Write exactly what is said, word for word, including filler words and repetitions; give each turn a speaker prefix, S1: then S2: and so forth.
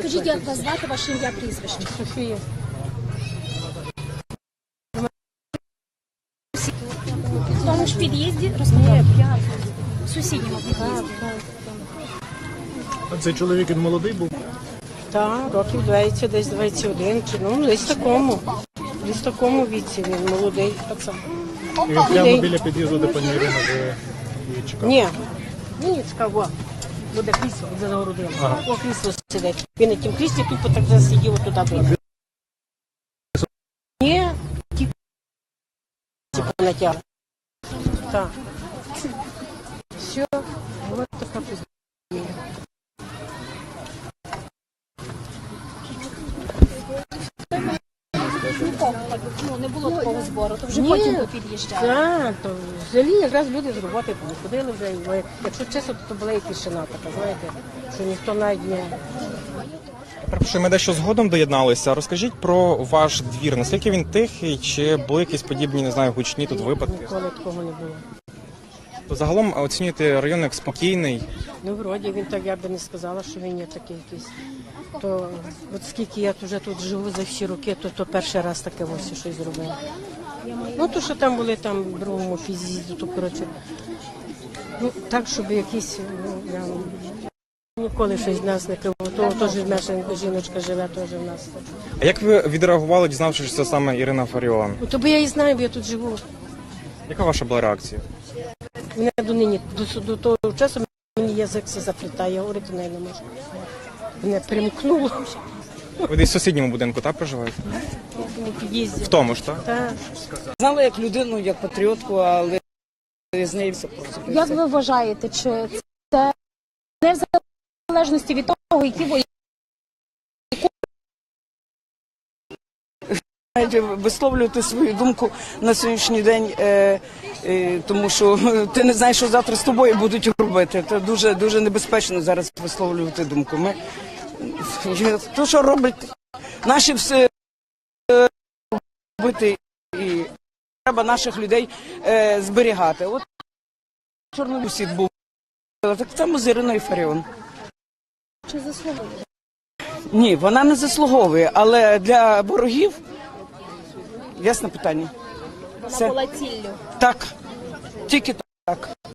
S1: Скажіть, як вас звати, ваше ім'я, прізвище?
S2: Софія.
S1: В тому ж під'їзді розповідає? В сусідньому під'їзді.
S3: А цей чоловік, він молодий був?
S2: Так, років двадцять, десь двадцять один, чи, ну, десь такому. Десь такому віці він молодий пацан.
S3: І він прямо біля під'їзду, де пані Ірина живе, і чекав?
S2: Ні, він не чекав, о, буде крісло, буде загородило.
S3: Ага.
S2: О, крісло сидить. Він на тім кріслі тут так засидів туди вийде. Ні, ті типу натягли. Так. Все, ось така пізня.
S1: Ну, не було такого збору, то вже
S2: Ні.
S1: потім ви під'їжджали.
S2: Так, то взагалі якраз люди з роботи ходили вже. І, якщо чесно, то була і тишина така, знаєте, що ніхто навіть не...
S4: Перепрошую, ми дещо згодом доєдналися. Розкажіть про ваш двір. Наскільки він тихий, чи були якісь подібні, не знаю, гучні тут випадки?
S2: Ніколи такого не було.
S4: То загалом оцінюєте район як спокійний.
S2: Ну, вроді, він так, я би не сказала, що він є такий якийсь. То, от скільки я вже тут живу за всі роки, то, то перший раз таке ось щось зробила. Ну, то, що там були там в другому під'їзді, то, коротше, ну, так, щоб якісь, ну, я ніколи щось в нас не криво. То теж наша жіночка живе теж в нас.
S4: А як ви відреагували, дізнавшись, що це саме Ірина Фаріон?
S2: Ну, то бо я і знаю, бо я тут живу.
S4: Яка ваша була реакція?
S2: Мене до нині, до, до того часу мені язик все заплітає, я говорити нею не можу. Мене примкнуло
S4: Ви десь в сусідньому будинку, так, проживаєте?
S2: у під'їзді.
S4: В тому ж, так?
S2: Так.
S5: Знала як людину, як патріотку, але з нею все просто.
S1: Як ви вважаєте, чи це не в залежності від того, які ви
S5: Знаєте, висловлювати свою думку на сьогоднішній день, е, е, тому що ти не знаєш, що завтра з тобою будуть робити. Це дуже, дуже небезпечно зараз висловлювати думку. Ми, то, що роблять наші все е, робити, і треба наших людей е, зберігати. От Чорнобусід був, так само з Іриною Фаріон.
S1: чи заслуговує?
S5: Ні, вона не заслуговує, але для ворогів, ясне питання.
S1: Вона
S5: Це-
S1: була ціллю.
S5: Так, тільки так.